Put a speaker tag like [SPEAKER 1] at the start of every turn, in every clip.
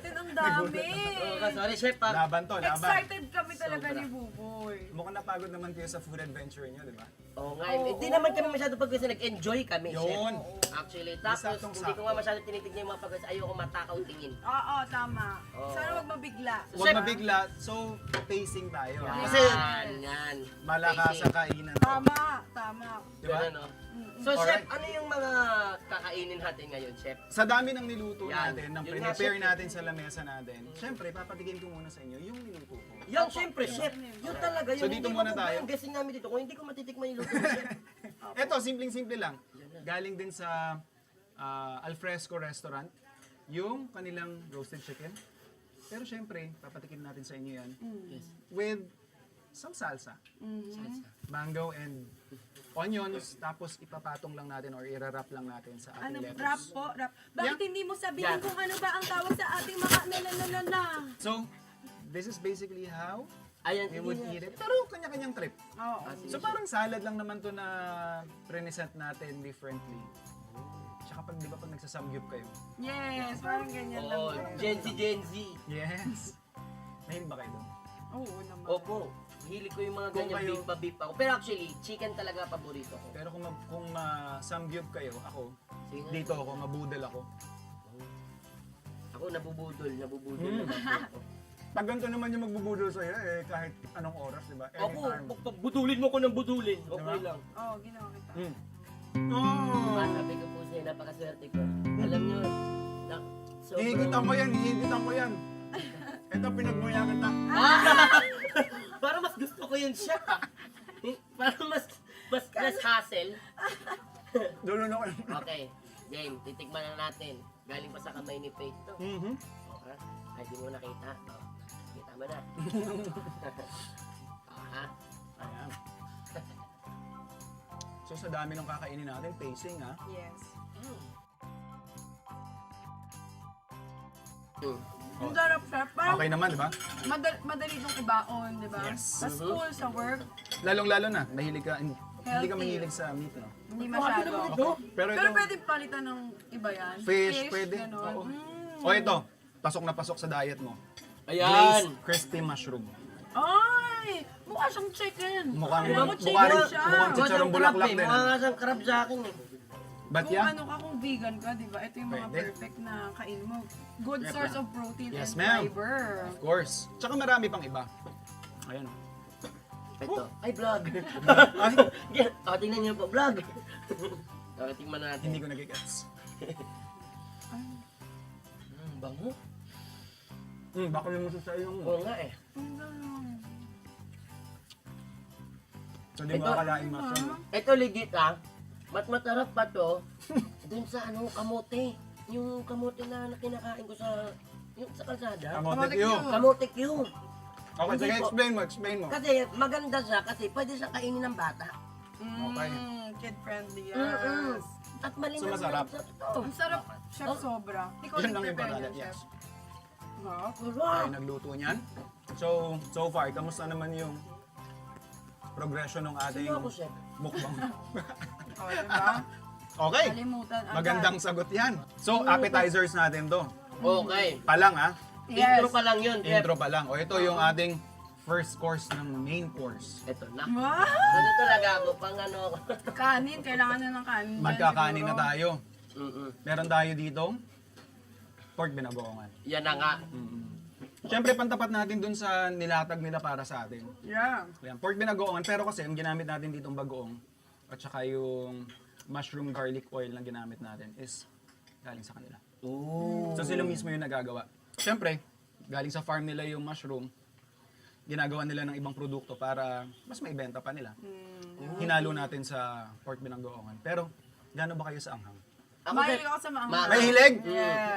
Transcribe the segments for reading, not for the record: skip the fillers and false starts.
[SPEAKER 1] natin, ang dami.
[SPEAKER 2] Sorry, chef.
[SPEAKER 3] Laban to, laban.
[SPEAKER 1] Excited kami talaga
[SPEAKER 2] Sobra.
[SPEAKER 1] ni Buboy.
[SPEAKER 3] Mukhang napagod naman kayo sa food adventure niyo, di ba?
[SPEAKER 2] Oo nga, hindi naman kami masyado pag kasi nag-enjoy kami, chef.
[SPEAKER 3] Yun.
[SPEAKER 2] Actually, tapos
[SPEAKER 3] Saktong
[SPEAKER 2] hindi ko
[SPEAKER 3] sakto.
[SPEAKER 2] nga masyado tinitignan yung mga pagkas, ayoko matakaw tingin.
[SPEAKER 1] Oo, tama.
[SPEAKER 2] Oo.
[SPEAKER 1] Sana huwag mabigla.
[SPEAKER 3] Huwag
[SPEAKER 2] Chef.
[SPEAKER 3] mabigla, so pacing tayo.
[SPEAKER 2] Yan,
[SPEAKER 3] Kasi
[SPEAKER 2] yan.
[SPEAKER 3] malakas sa kainan to.
[SPEAKER 1] Tama, tama.
[SPEAKER 3] Di ba?
[SPEAKER 2] Ganun, no? So,
[SPEAKER 3] Alright.
[SPEAKER 2] chef, ano yung mga kakainin natin ngayon, chef?
[SPEAKER 3] Sa dami ng niluto
[SPEAKER 2] Yan.
[SPEAKER 3] natin, ng
[SPEAKER 2] Yun nga,
[SPEAKER 3] prepare
[SPEAKER 2] chef.
[SPEAKER 3] natin sa lamesa natin, syempre, papatigin ko muna sa inyo yung niluto ko.
[SPEAKER 2] Yan, syempre, chef. Yun talaga, yun.
[SPEAKER 3] So, dito
[SPEAKER 2] Hindi
[SPEAKER 3] muna
[SPEAKER 2] ko
[SPEAKER 3] tayo.
[SPEAKER 2] Yung guessing namin dito, kung hindi ko matitikman yung luto ni chef.
[SPEAKER 3] Ito, simpleng-simple lang. Galing din sa Alfresco Restaurant, yung kanilang roasted chicken. Pero syempre, papatikin natin sa inyo yan
[SPEAKER 2] Yes.
[SPEAKER 3] with some salsa.
[SPEAKER 2] Salsa.
[SPEAKER 3] Mango and onions, tapos ipapatong lang natin or irarap lang natin sa
[SPEAKER 1] Ano,
[SPEAKER 3] ating
[SPEAKER 1] rap
[SPEAKER 3] lettuce.
[SPEAKER 1] po, rap. Bakit
[SPEAKER 3] Yeah.
[SPEAKER 1] hindi mo sabihin
[SPEAKER 2] Yeah.
[SPEAKER 1] kung ano ba ang tawag sa ating mga na?
[SPEAKER 3] So, this is basically how
[SPEAKER 2] Ayan,
[SPEAKER 3] we would
[SPEAKER 2] sige
[SPEAKER 3] eat it. Pero kanya-kanyang trip.
[SPEAKER 1] Oo.
[SPEAKER 3] So parang salad lang naman to na present natin differently. Tsaka pag, di ba, pag nagsasamgyup kayo?
[SPEAKER 1] Yes, parang ganyan lang.
[SPEAKER 2] Oo, Gen Z.
[SPEAKER 3] Yes. Mahilig ba kayo doon?
[SPEAKER 1] Oo naman.
[SPEAKER 2] Opo. Hilig ko yung mga
[SPEAKER 3] Kung
[SPEAKER 2] ganyan
[SPEAKER 3] kayo-
[SPEAKER 2] beef ako. Pero actually, chicken talaga paborito ko.
[SPEAKER 3] Pero kung samgyup kayo, ako,
[SPEAKER 2] Sige.
[SPEAKER 3] dito ako, mabudol ako.
[SPEAKER 2] Ako nabubudol
[SPEAKER 3] Hmm.
[SPEAKER 2] naman po ako.
[SPEAKER 3] Pag ganito naman yung magbubudol sa'yo, kahit anong oras, di ba?
[SPEAKER 2] Ako,
[SPEAKER 3] Anytime.
[SPEAKER 2] pag budulin mo ko ng budulin, okay
[SPEAKER 3] Diba?
[SPEAKER 2] lang.
[SPEAKER 1] Oo, ginawa kita.
[SPEAKER 3] Mm. Oh!
[SPEAKER 2] Sabi ko po sa'yo, napakaswerte ko. Alam nyo,
[SPEAKER 3] Hihigitan ko yan, hihigitan ko yan. Ito, pinagmuya kita.
[SPEAKER 2] Parang mas gusto ko yun siya. Parang mas less hassle.
[SPEAKER 3] Dulo na ko.
[SPEAKER 2] Okay, game, titikman na natin. Galing pa sa kamay ni Faith to.
[SPEAKER 3] Mhm.
[SPEAKER 2] Okay, ay di mo nakita. Oh, kita mo na. Ah,
[SPEAKER 3] Ayan. So sa dami ng kakainin natin, pacing ha.
[SPEAKER 1] Yes.
[SPEAKER 2] mm.
[SPEAKER 1] Ang sarap, chef. Parang
[SPEAKER 3] Okay naman, di ba?
[SPEAKER 1] madali itong ibaon, di ba?
[SPEAKER 3] Yes.
[SPEAKER 1] Sa school, sa work,
[SPEAKER 3] Lalong-lalo na, mahilig ka, hindi ka
[SPEAKER 1] Healthy.
[SPEAKER 3] mahilig sa meat, no?
[SPEAKER 1] hindi masyado.
[SPEAKER 3] Okay. Pero
[SPEAKER 1] Pero
[SPEAKER 3] ito,
[SPEAKER 1] pwede palitan ng iba yan.
[SPEAKER 3] fish, pwede.
[SPEAKER 1] Ganon.
[SPEAKER 3] Oo.
[SPEAKER 1] Mm.
[SPEAKER 3] O ito, pasok na pasok sa diet mo.
[SPEAKER 2] Ayan!
[SPEAKER 3] Glazed crispy mushroom.
[SPEAKER 1] Ay! Mukha siyang chicken.
[SPEAKER 3] Mukhang-
[SPEAKER 1] Alam mo,
[SPEAKER 3] mukha
[SPEAKER 1] chicken
[SPEAKER 3] rin-
[SPEAKER 1] siya.
[SPEAKER 3] mukhang chicharong bulaklak din,
[SPEAKER 2] Mukha
[SPEAKER 3] ano?
[SPEAKER 2] nga siyang crab sa akin eh.
[SPEAKER 3] But
[SPEAKER 1] Kung
[SPEAKER 3] yeah,
[SPEAKER 1] ano ka, kung vegan ka, di ba? Ito yung mga
[SPEAKER 3] Pwede.
[SPEAKER 1] perfect na kain mo. Good
[SPEAKER 3] Yep,
[SPEAKER 1] source
[SPEAKER 3] ma'am.
[SPEAKER 1] of protein
[SPEAKER 3] Yes,
[SPEAKER 1] and
[SPEAKER 3] ma'am.
[SPEAKER 1] fiber.
[SPEAKER 3] of course. Tsaka marami pang iba. Ayan.
[SPEAKER 2] Ito. Ay, vlog. Tingnan niyo po, vlog. Tingnan natin.
[SPEAKER 3] Hindi ko nagigets.
[SPEAKER 2] Bango.
[SPEAKER 3] Baka yung sa yung...
[SPEAKER 2] Oo nga eh.
[SPEAKER 1] Ang galing.
[SPEAKER 3] So di mo akalaing mushroom.
[SPEAKER 2] Ito legit ah. Masarap pa to. Dun sa ano, kamote. Yung kamote na kinakain ko sa kalsada.
[SPEAKER 3] Kamote Q.
[SPEAKER 2] Kamote Q.
[SPEAKER 3] Okay, sige,
[SPEAKER 2] Hindi po.
[SPEAKER 3] explain mo.
[SPEAKER 2] Kasi maganda siya kasi pwede siya kainin ng bata.
[SPEAKER 3] Okay.
[SPEAKER 1] Kid friendly,
[SPEAKER 2] Mm-mm.
[SPEAKER 1] yes.
[SPEAKER 2] At malinaw
[SPEAKER 3] So, masarap.
[SPEAKER 2] na ito.
[SPEAKER 1] Ang sarap, chef, sobra. Ikaw
[SPEAKER 3] Yun lang yung
[SPEAKER 1] prepare
[SPEAKER 3] pangalan,
[SPEAKER 1] yan,
[SPEAKER 3] yes.
[SPEAKER 1] chef. Wow.
[SPEAKER 2] Sarap.
[SPEAKER 3] Ay, nagluto niyan. So far, kamusta naman yung progression ng ating
[SPEAKER 2] Sino ako, chef?
[SPEAKER 3] mukbang?
[SPEAKER 1] O, diba?
[SPEAKER 3] Okay,
[SPEAKER 1] Kalimutan agad.
[SPEAKER 3] magandang sagot yan. So, appetizers natin to.
[SPEAKER 2] Okay.
[SPEAKER 3] Palang ha?
[SPEAKER 1] Yes.
[SPEAKER 2] Intro pa lang yun, chef.
[SPEAKER 3] Intro pa lang. O ito yung ating first course ng main course.
[SPEAKER 2] Ito na.
[SPEAKER 1] Wow!
[SPEAKER 2] Ano talaga ako, pang ano.
[SPEAKER 1] Kanin, kailangan na ng kanin. dyan
[SPEAKER 3] Magkakanin na
[SPEAKER 1] siguro.
[SPEAKER 3] tayo.
[SPEAKER 2] Mm-mm.
[SPEAKER 3] Meron tayo dito pork binagoongan.
[SPEAKER 2] Yan na nga.
[SPEAKER 3] Siyempre, pantapat natin dun sa nilatag nila para sa atin.
[SPEAKER 1] Yeah.
[SPEAKER 3] Ayan, pork binagoongan, pero kasi ang ginamit natin ditong bagoong at saka yung mushroom garlic oil na ginamit natin is galing sa kanila.
[SPEAKER 2] Ooh.
[SPEAKER 3] So sila mismo yung nagagawa. Siyempre, galing sa farm nila yung mushroom, ginagawa nila ng ibang produkto para mas maibenta pa nila. Hinalo natin sa pork binagoongan. Pero, gaano ba kayo sa anghang?
[SPEAKER 2] Ako,
[SPEAKER 1] Mahilig
[SPEAKER 2] chef.
[SPEAKER 1] ako sa mga
[SPEAKER 3] May hilig?
[SPEAKER 1] Yeah.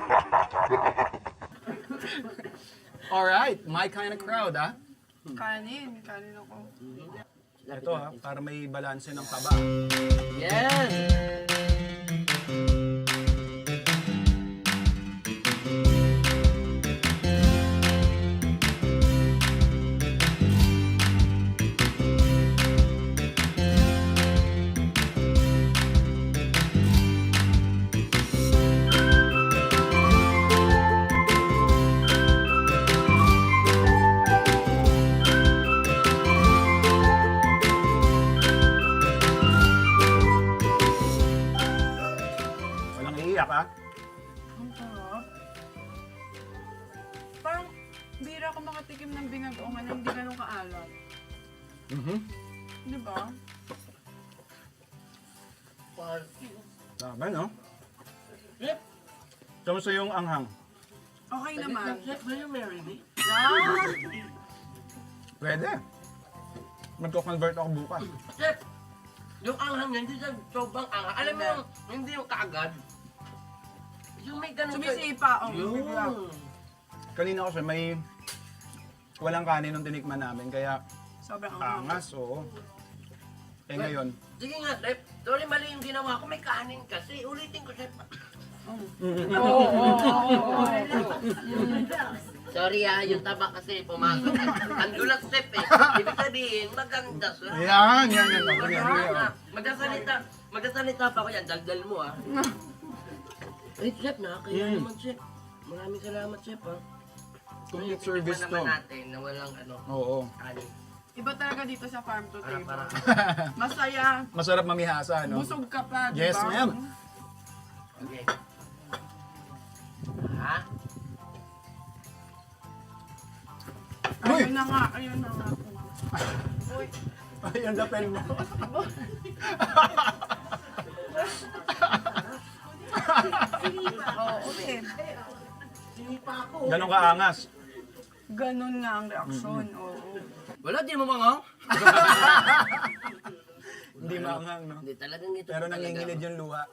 [SPEAKER 3] Alright, my kind of crowd ha.
[SPEAKER 1] Kanin ako.
[SPEAKER 3] Ito ha, para may balanse ng taba.
[SPEAKER 2] Yes!
[SPEAKER 1] Ang sarap. Parang bira ako makatikim ng binagoongan na hindi ganun kaalat. Di ba?
[SPEAKER 3] Tama, no?
[SPEAKER 2] Chef,
[SPEAKER 3] Kamusta yung anghang?
[SPEAKER 1] Okay naman.
[SPEAKER 2] Chef, will you marry me?
[SPEAKER 1] Ah!
[SPEAKER 3] Pwede. Magko-convert ako bukas.
[SPEAKER 2] Chef, yung anghang niya, hindi siya sobrang anghang. Alam mo yung, hindi yung kaagad. Yung may ganun
[SPEAKER 1] Sumisipa. Oh, bigla.
[SPEAKER 2] Yun.
[SPEAKER 3] Kanina kasi may walang kanin nung tinikman namin, kaya
[SPEAKER 1] Sobrang anghang.
[SPEAKER 3] angas, oo. Eh ngayon,
[SPEAKER 2] Sige nga, Chef. Sorry, mali yung ginawa ko. May kanin kasi. Ulitin ko, Chef. Sorry yung taba kasi pumasok. Ang dulas, Chef eh. Ibig sabihin, maganda siya.
[SPEAKER 3] yan.
[SPEAKER 2] Magsasalita pa ako yan. Daldal mo ah. Eh, Chef, nakakaya naman, Chef. Maraming salamat, Chef ah.
[SPEAKER 3] Complete service to.
[SPEAKER 2] naman natin na walang ano,
[SPEAKER 3] Oo.
[SPEAKER 2] kanin.
[SPEAKER 1] Iba talaga dito sa farm to table.
[SPEAKER 2] Para.
[SPEAKER 1] Masaya.
[SPEAKER 3] Masarap mamihasa, no?
[SPEAKER 1] Busog ka pa, di ba?
[SPEAKER 3] Yes, ma'am.
[SPEAKER 2] Okay. Ha?
[SPEAKER 1] Ayun na nga, ayun na nga. Uy,
[SPEAKER 3] Ay, ang lapel mo.
[SPEAKER 1] oo, ulit.
[SPEAKER 2] Sinipa ako.
[SPEAKER 3] Ganon kaangas.
[SPEAKER 1] Ganun nga ang reaksyon, oo.
[SPEAKER 2] Wala, di mo mga.
[SPEAKER 3] Hindi maanghang, no?
[SPEAKER 2] Hindi talagang ito.
[SPEAKER 3] Pero
[SPEAKER 2] talaga.
[SPEAKER 3] nangingilid yung luha.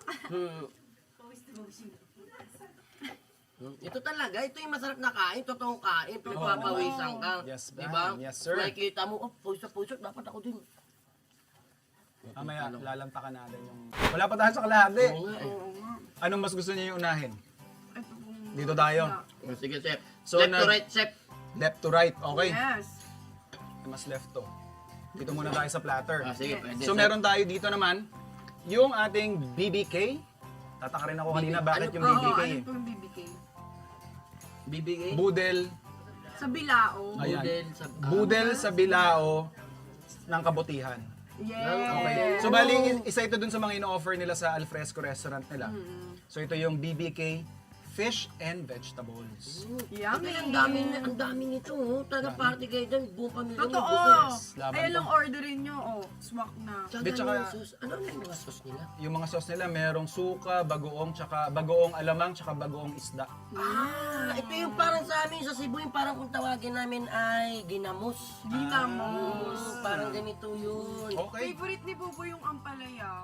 [SPEAKER 2] Ito talaga, ito yung masarap na kain, totoong kain, pagpapawisan ka.
[SPEAKER 3] Yes, ma'am.
[SPEAKER 2] Diba?
[SPEAKER 3] Yes, sir.
[SPEAKER 2] Nakikita mo, oh, puso, dapat ako din.
[SPEAKER 3] Mamaya, lalantakan natin yung... Wala pa tayo sa kalahati.
[SPEAKER 2] Oo nga eh.
[SPEAKER 1] Oo nga.
[SPEAKER 3] Anong mas gusto niyo yung unahin?
[SPEAKER 1] Ito pong...
[SPEAKER 3] Dito tayo.
[SPEAKER 2] Sige, Chef.
[SPEAKER 3] So,
[SPEAKER 2] Left to right, Chef.
[SPEAKER 3] Left to right, okay?
[SPEAKER 1] Yes.
[SPEAKER 3] Mas left to. Dito muna tayo sa platter.
[SPEAKER 2] Sige, pwede.
[SPEAKER 3] So meron tayo dito naman, yung ating BBK. Tataka rin ako kanina bakit yung
[SPEAKER 1] Oo,
[SPEAKER 3] BBK
[SPEAKER 1] ano
[SPEAKER 3] eh.
[SPEAKER 1] pong BBK?
[SPEAKER 2] Bibigay.
[SPEAKER 3] Budel.
[SPEAKER 1] Sa Bilao.
[SPEAKER 3] Ayan.
[SPEAKER 2] Budel sa...
[SPEAKER 3] Budel sa bilao ng kabutihan.
[SPEAKER 1] Yes.
[SPEAKER 3] Okay. So bali, isa ito dun sa mga ino-offer nila sa Alfresco restaurant nila. So ito yung BBK Fish and Vegetables.
[SPEAKER 1] Yummy.
[SPEAKER 2] Ang dami nito, oh. Taga party kayo dyan, buong pamilya niyo.
[SPEAKER 1] Totoo.
[SPEAKER 3] Yes, laban
[SPEAKER 1] Ayun
[SPEAKER 3] to.
[SPEAKER 1] lang orderin nyo. Oh, swak na.
[SPEAKER 2] Tsaka
[SPEAKER 3] Di, tsaka-
[SPEAKER 2] yung sauce. Ano yung mga sauce nila?
[SPEAKER 3] Yung mga sauce nila, merong suka, bagoong, tsaka bagoong alamang, tsaka bagoong isda.
[SPEAKER 2] Ito yung parang sa amin sa Cebu, yung parang kung tawagin namin ay ginamos.
[SPEAKER 1] Ginamos.
[SPEAKER 2] Parang ganito yun.
[SPEAKER 3] Okay.
[SPEAKER 1] Favorite ni Bubo yung ampalaya.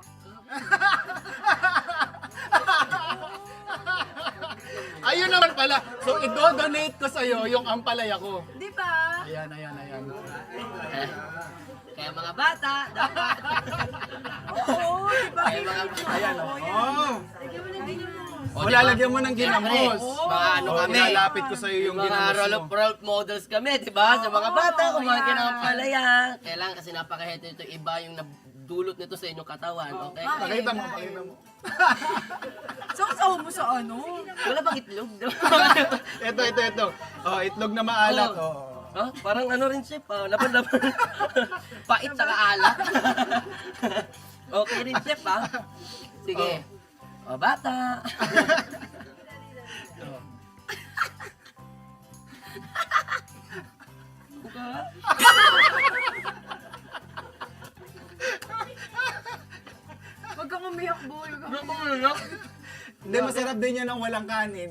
[SPEAKER 3] Ayun naman pala. So, i-donate ko sa'yo yung ampalaya ko.
[SPEAKER 1] Di ba?
[SPEAKER 3] Ayan.
[SPEAKER 2] Kaya mga bata, dapat.
[SPEAKER 1] Oo, di ba?
[SPEAKER 2] Kaya mga
[SPEAKER 3] Ayan, oh.
[SPEAKER 1] Lagyan mo ng ginamos.
[SPEAKER 2] O,
[SPEAKER 3] O, lalagyan mo ng ginamos.
[SPEAKER 2] Mga ano
[SPEAKER 3] O,
[SPEAKER 2] kami.
[SPEAKER 3] ilalapit ko sa'yo yung
[SPEAKER 2] Mga
[SPEAKER 3] ginamos mo.
[SPEAKER 2] role models kami, di ba? Sa mga bata, kung mga
[SPEAKER 1] yan.
[SPEAKER 2] kinakapalaya. Kailangan kasi napakahete ito, iba yung dulot nito sa inyong katawan, okay?
[SPEAKER 3] Pakita mo.
[SPEAKER 1] Saksaw mo sa ano?
[SPEAKER 2] Wala bang itlog?
[SPEAKER 3] Ito. Oh, itlog na maalat. Oh.
[SPEAKER 2] Huh? Parang ano rin, Chef, laban-laban. Pait sa kaalat. Okay rin, Chef, ha? Sige. O, bata.
[SPEAKER 1] Wag kang umiyak, boy. Wag kang
[SPEAKER 2] Ano ba yun?
[SPEAKER 3] Hindi, masarap din yan ng walang kanin.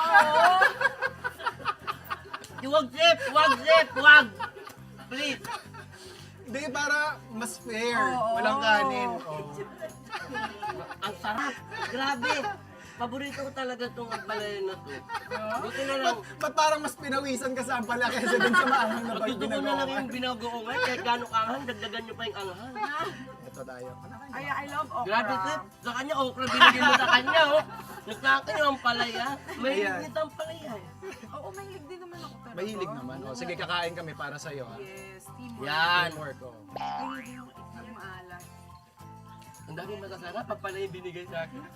[SPEAKER 2] Wag, Chef! Wag, Chef! Wag! Please!
[SPEAKER 3] Hindi, para mas fair.
[SPEAKER 1] Oo.
[SPEAKER 3] Walang kanin. Oh.
[SPEAKER 2] Ang sarap! Grabe! Paborito ko talaga itong balayan na to. Buti na lang.
[SPEAKER 3] Ba't parang mas pinawisan ka sa ampala kaysa dun sa maanghang na
[SPEAKER 2] Gusto ko na lang
[SPEAKER 3] ginagawa?
[SPEAKER 2] yung binagoongan. Kahit gano'ng anghang, dagdagan nyo pa yung anghang.
[SPEAKER 3] Ito tayo.
[SPEAKER 1] Ay, I love okra.
[SPEAKER 2] Grabe, Chef. Sa kanya, okra binigyan mo sa kanya, oh. Yung sa akin, yung palaya. May
[SPEAKER 3] Ayan.
[SPEAKER 2] nito ang palaya. eh.
[SPEAKER 1] Oo, mahilig din naman ako talaga.
[SPEAKER 3] Mahilig naman. Oh, sige, kakain kami para sa'yo. Ha?
[SPEAKER 1] Yes, teamwork.
[SPEAKER 2] Yan.
[SPEAKER 3] Teamwork, oh.
[SPEAKER 1] Mahilig yung itlog maalat.
[SPEAKER 2] Ang dami masasarap. Pag pala yung binigay sa akin.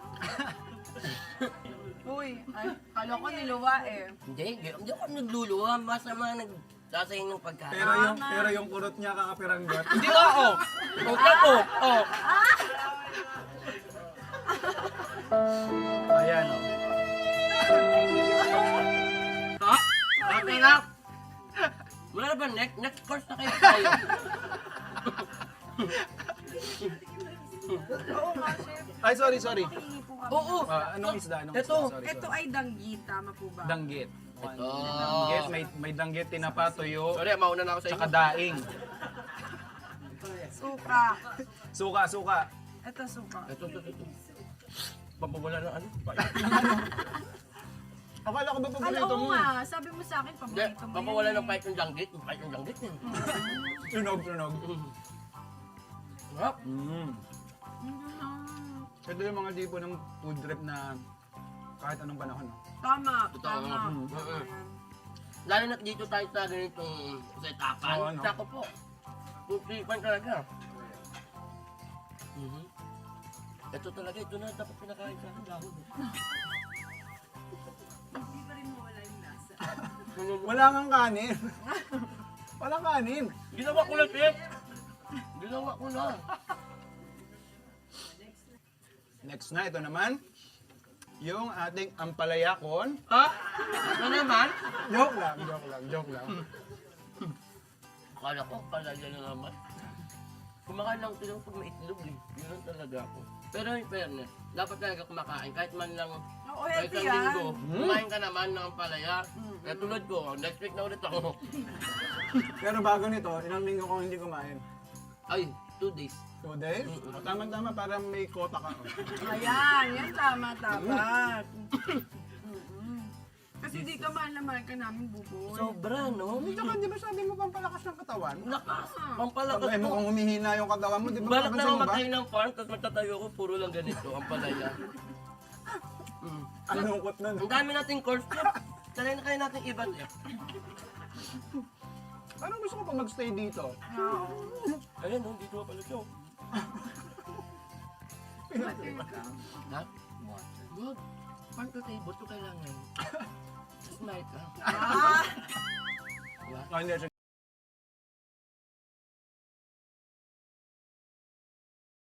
[SPEAKER 1] Uy, ay, kala ko niluwa eh.
[SPEAKER 2] Hindi ako nagluluwa. Basta mga nagsasayin ng pagkain.
[SPEAKER 3] Pero yung kurot niya kakapiranggot.
[SPEAKER 2] Hindi nga, oh. Okay po. Oh.
[SPEAKER 3] Ayan, oh.
[SPEAKER 2] Ha? Okay na. Wala na ba next course na kayo tayo?
[SPEAKER 1] Oo nga, chef.
[SPEAKER 3] Ay, sorry.
[SPEAKER 1] Pahingi po kami.
[SPEAKER 2] Oo.
[SPEAKER 3] Anong isda? Anong
[SPEAKER 2] Ito.
[SPEAKER 3] isda? Sorry.
[SPEAKER 1] Ito ay danggit, tama po ba?
[SPEAKER 3] Danggit.
[SPEAKER 2] Ito.
[SPEAKER 3] Danggit, may danggit, tinapa, tuyo,
[SPEAKER 2] Sorry, mauna na ako sa inyo.
[SPEAKER 3] tsaka daing.
[SPEAKER 1] Suka.
[SPEAKER 3] Suka.
[SPEAKER 1] Ito suka.
[SPEAKER 2] Ito. Pampawala ng ano?
[SPEAKER 3] Akala ko ba
[SPEAKER 1] Alam
[SPEAKER 3] paborito
[SPEAKER 1] mo
[SPEAKER 3] mo?
[SPEAKER 1] nga, sabi mo sa akin,
[SPEAKER 2] Hindi,
[SPEAKER 1] paborito mo
[SPEAKER 2] pampawala
[SPEAKER 1] yan
[SPEAKER 2] ng fight yung langgit. Yung fight yung langgit yun.
[SPEAKER 3] Tunog.
[SPEAKER 2] Sarap.
[SPEAKER 3] Ito yung mga tipo ng food trip na kahit anong panahon. No?
[SPEAKER 1] Tama,
[SPEAKER 2] Totoo.
[SPEAKER 1] tama.
[SPEAKER 2] Mm. Lalo na dito tayo sa ganitong setapan.
[SPEAKER 3] Oo, ano?
[SPEAKER 2] Sako po. Putripan talaga. Ito talaga, ito na dapat pinakain sa akin. Dahon.
[SPEAKER 1] Hindi pa rin mawala yung lasa.
[SPEAKER 3] Wala kang kanin. Walang kanin.
[SPEAKER 2] Ginawa ko na, chef. Ginawa ko na.
[SPEAKER 3] Next na, ito naman. Yung ating ampalayakon.
[SPEAKER 2] Ha? Ano naman?
[SPEAKER 3] Joke lang.
[SPEAKER 2] Akala ko, palaya na naman. Kumakain lang sila pag may itlog eh. Yun lang talaga ako. Pero in fairness, dapat talaga kumakain. Kahit man lang
[SPEAKER 1] Oo,
[SPEAKER 2] kahit
[SPEAKER 1] healthy
[SPEAKER 2] isang linggo,
[SPEAKER 1] yan.
[SPEAKER 2] kumain ka naman ng palaya. Kaya tulad ko, next week na ulit ako.
[SPEAKER 3] Pero bago nito, ilang linggo ko hindi kumain.
[SPEAKER 2] Ay, 2 days.
[SPEAKER 3] 2 days? O, tama-tama para may kota ka.
[SPEAKER 1] Ayan, yan tama, dapat. Kasi dito mahal na mahal ka namin, buboy.
[SPEAKER 2] Sobra, no?
[SPEAKER 3] Tsaka di ba sabi mo pampalakas ng katawan?
[SPEAKER 2] Lakas! Pampalakas
[SPEAKER 3] Sabay mo
[SPEAKER 2] ko.
[SPEAKER 3] kung humihina yung katawan mo, di ba?
[SPEAKER 2] Balak na
[SPEAKER 3] Papansin
[SPEAKER 2] ako
[SPEAKER 3] mo ba?
[SPEAKER 2] matayo ng farm, tapos magtatayo ako, puro lang ganito, ang palaya.
[SPEAKER 3] Ang lungkot nun.
[SPEAKER 2] Ang dami nating course trip. Sanay na kaya natin iba eh.
[SPEAKER 3] Parang gusto ko pa magstay dito.
[SPEAKER 1] Oo.
[SPEAKER 2] Ayun, no, dito pala siya.
[SPEAKER 1] Water ka.
[SPEAKER 2] Ha? Good. Farm to table to kailangan. Smile ka.
[SPEAKER 1] Ah!
[SPEAKER 3] Ah, hindi,